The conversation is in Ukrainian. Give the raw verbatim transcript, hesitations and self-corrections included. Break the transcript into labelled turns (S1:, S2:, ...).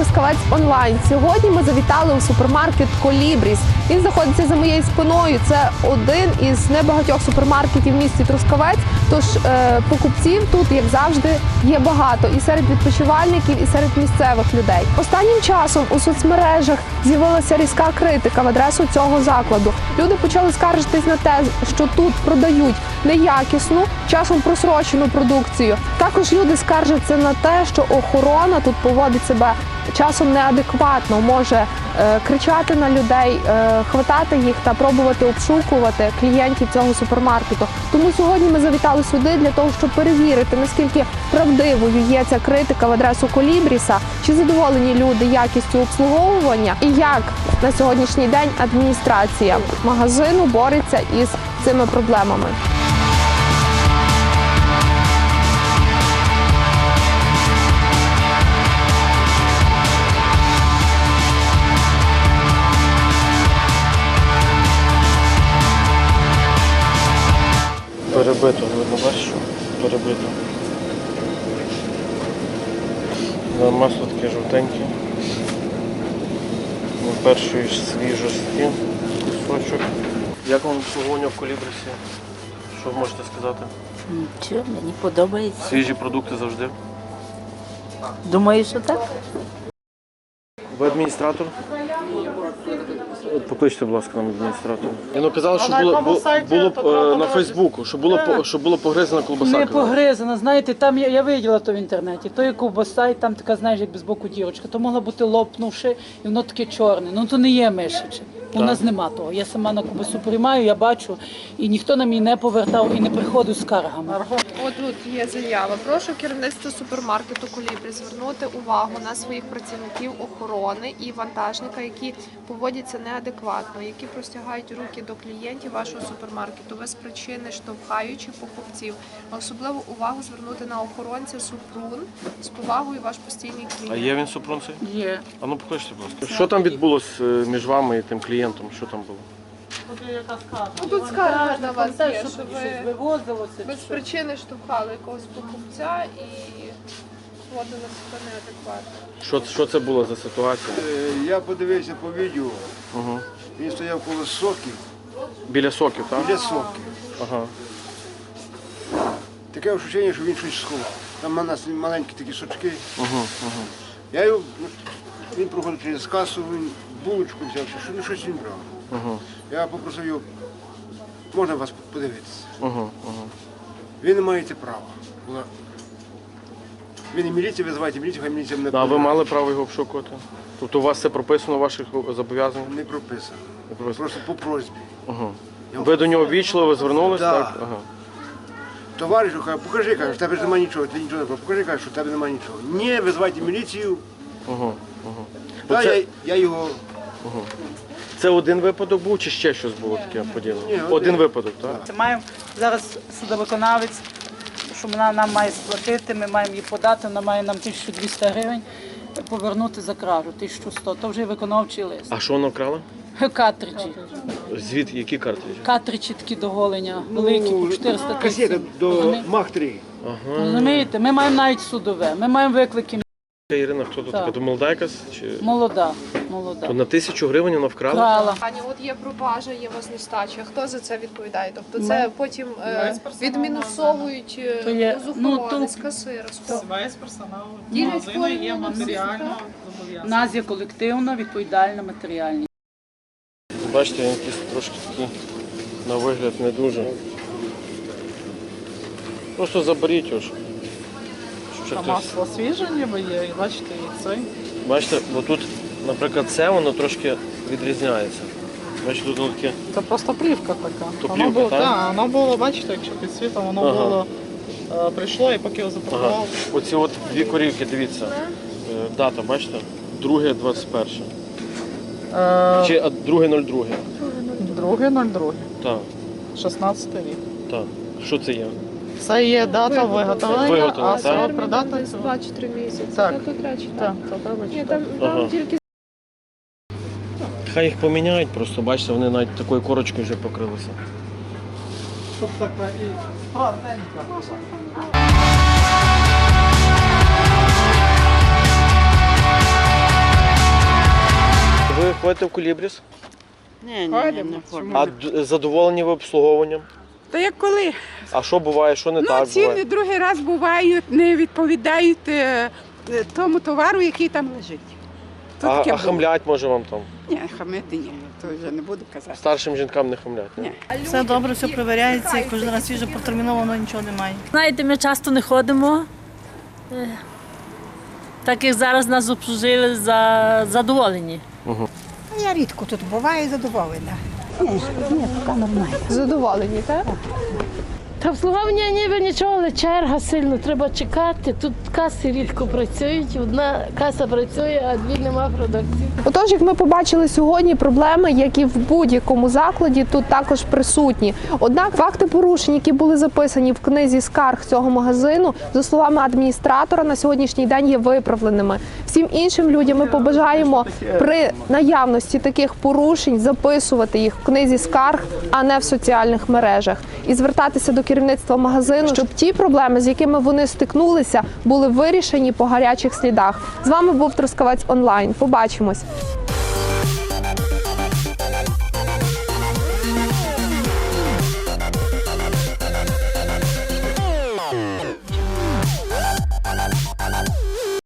S1: Трускавець онлайн. Сьогодні ми завітали у супермаркет Колібріс. Він знаходиться за моєю спиною. Це один із небагатьох супермаркетів в місті Трускавець. Тож е, покупців тут, як завжди, є багато. І серед відпочивальників, і серед місцевих людей. Останнім часом у соцмережах з'явилася різка критика в адресу цього закладу. Люди почали скаржитись на те, що тут продають неякісну, часом просрочену продукцію. Також люди скаржаться на те, що охорона тут поводить себе часом неадекватно, може е, кричати на людей, е, хватати їх та пробувати обшукувати клієнтів цього супермаркету. Тому сьогодні ми завітали сюди для того, щоб перевірити, наскільки правдивою є ця критика в адресу Колібріса, чи задоволені люди якістю обслуговування і як на сьогоднішній день адміністрація магазину бореться із цими проблемами.
S2: Перебито, видно, бачиш, перебито. Масло таке жовтеньке. На першої свіжості кусочок. Як вам обслуговування в Колібрісі? Що ви можете сказати?
S3: Нічого, мені подобається.
S2: Свіжі продукти завжди.
S3: Думаю, що так?
S2: Ви адміністратор? Покличте, будь ласка, нам адміністратора. Ну, казали, що було, було, було на Фейсбуку, що було, що було погризена колбаса.
S4: Не погризена, знаєте, там я, я виділа то в інтернеті, то є ковбаса, і там така, знаєш, як без боку дірочка, то могла бути лопнувши, і воно таке чорне. Ну то не є мишаче. У нас нема того. Я сама на ковбасу приймаю, я бачу, і ніхто на мені не повертав і не приходив з скаргами.
S1: Отут є заява. Прошу керівництво супермаркету Колібріс звернути увагу на своїх працівників охорони і вантажника, які поводяться неадекватно, які простягають руки до клієнтів вашого супермаркету без причини, штовхаючи покупців. Особливу увагу звернути на охоронця Супрун. З повагою ваш постійний клієнт.
S2: А є він Супрун цей?
S4: Є.
S2: А ну покличте, будь ласка. Що там відбулося між вами і тим клієнтом? Що там було?
S1: Ну, тут скарга на вас є,
S4: що
S1: що
S4: щось
S1: ви
S4: вивозилося.
S1: без причини штовхали якогось покупця і поводили себе неадекватно.
S2: Що, що це було за ситуація?
S5: Е, Я подивився по відео,
S2: Угу.
S5: він стояв коло соків,
S2: Біля соків, так?
S5: біля соків.
S2: Ага.
S5: Таке відчуття, що він щось сховав. Там у нас маленькі такі сочки.
S2: Угу, угу.
S5: Я його, він проходив через касу, він булочку взяв, що ну, щось він брав.
S2: Угу.
S5: Я попросив його, можна вас подивитися?
S2: Угу, угу.
S5: Ви не маєте права. Була... Ви не міліція, визивайте міліцію, хай міліція мене
S2: А ви
S5: подивить.
S2: мали право його обшукувати? Тобто у вас це прописано в ваших зобов'язаннях?
S5: Не прописано.
S2: Не прописано.
S5: Просто по просьбі.
S2: Угу. Ви до нього ввічливо звернулися?
S5: Да.
S2: Так? Ага.
S5: Товариш, каже, покажи, каже, в тебе ж немає нічого, ти нічого не покажи, покажи, каже, що в тебе немає нічого. Ні, визивайте міліцію.
S2: Угу, угу.
S5: Да,
S2: Оце-
S5: я, я його...
S2: Угу. Це один випадок був чи ще щось було таке подібне?
S5: Ні, один.
S2: Один випадок, так?
S4: Це маємо зараз судовиконавець, що вона нам має сплатити, ми маємо її подати, вона має нам тисячу двісті гривень повернути за кражу, тисячу сто. То вже виконавчий лист.
S2: А що вона вкрала?
S4: Картриджі.
S2: Звідки? Які картриджі?
S4: Картриджі такі до голення, великі, по чотириста
S5: Касета
S4: тридцять.
S5: до Мах три.
S2: Ага.
S4: Розумієте? Ми маємо навіть судове, ми маємо виклики.
S2: Ірина, хто тут
S4: Так.
S2: така? То молода якась? Чи...
S4: Молода, молода.
S2: То на тисячу гривень вона вкрала?
S4: Крала.
S1: Пані, от є пропажа, є у вас нестача. Хто за це відповідає? Тобто це потім е, відмінусовують е,
S4: То є-
S1: з
S4: ну,
S1: охорони,
S4: то-
S1: з касира. з кого?
S6: Весь персонал
S1: Ділять
S6: магазину є
S1: форму на
S6: матеріально
S4: У
S6: зобов'язаний.
S4: нас є колективна, відповідальна, матеріальна.
S2: Бачите, він якийсь трошки такий на вигляд не дуже. Просто заберіть його. щоб- щоб ще
S6: Та
S2: хтось-
S6: масло свіже ніби є, і бачите, і цей.
S2: Бачите, бо тут, наприклад, це воно трошки відрізняється. Бачите, тут таке.
S6: Це просто плівка така.
S2: То
S6: Воно
S2: плівка,
S6: було,
S2: так?
S6: так, воно було, бачите, якщо під світом, воно
S2: Ага.
S6: було, е, прийшло і поки його
S2: Ага.
S6: запакував.
S2: Оці от дві корівки, дивіться. Е, Дата, бачите? Друге двадцять перше.
S6: Е,
S2: Чи а, друге нуль друге.
S6: Друге, нуль друге,
S2: Так,
S6: шістнадцятий рік.
S2: так. Що це є?
S6: Це є дата виготовлення,
S2: Виготовлення,
S6: а
S2: так?
S6: срок придатності.
S1: два чи три місяці.
S6: Так.
S1: Та тут речі,
S6: Так,
S1: так.
S6: це треба
S1: Ні,
S6: читати.
S1: там,
S2: Ага.
S1: там тільки
S2: Хай їх поміняють, просто бачите, вони навіть такою корочкою вже покрилися.
S6: Щоб така і гарненька.
S2: ви ходите в Колібріс?
S7: Ні, ні, ні, не ходимо.
S2: А д- задоволені ви обслуговуванням?
S7: Та як коли?
S2: А що буває, що не
S7: Ну,
S2: так
S7: ціни
S2: буває?
S7: другий раз бувають, не відповідають е, е, тому товару, який там лежить. То
S2: А,
S7: таке
S2: а
S7: було.
S2: хамлять може вам там?
S7: Ні, хамити ні, то вже не буду казати.
S2: Старшим жінкам не хамлять? Ні?
S7: Ні.
S8: Все добре, все перевіряється, і кожен раз свіже протерміновано, нічого немає.
S9: Знаєте, ми часто не ходимо. Е, Так як зараз нас обслужили за задоволені.
S10: Я рідко тут буваю задоволена.
S1: Задоволені, так?
S9: Та обслуговування ніби нічого, але черга сильно, треба чекати. Тут каси рідко працюють, одна каса працює, а дві нема продукції.
S1: Отож, як ми побачили сьогодні, проблеми, як і в будь-якому закладі, тут також присутні. Однак факти порушень, які були записані в книзі скарг цього магазину, за словами адміністратора, на сьогоднішній день є виправленими. Всім іншим людям ми побажаємо при наявності таких порушень записувати їх в книзі скарг, а не в соціальних мережах. І звертатися до керівництва магазину, щоб ті проблеми, з якими вони стикнулися, були вирішені по гарячих слідах. З вами був Трускавець онлайн. Побачимось.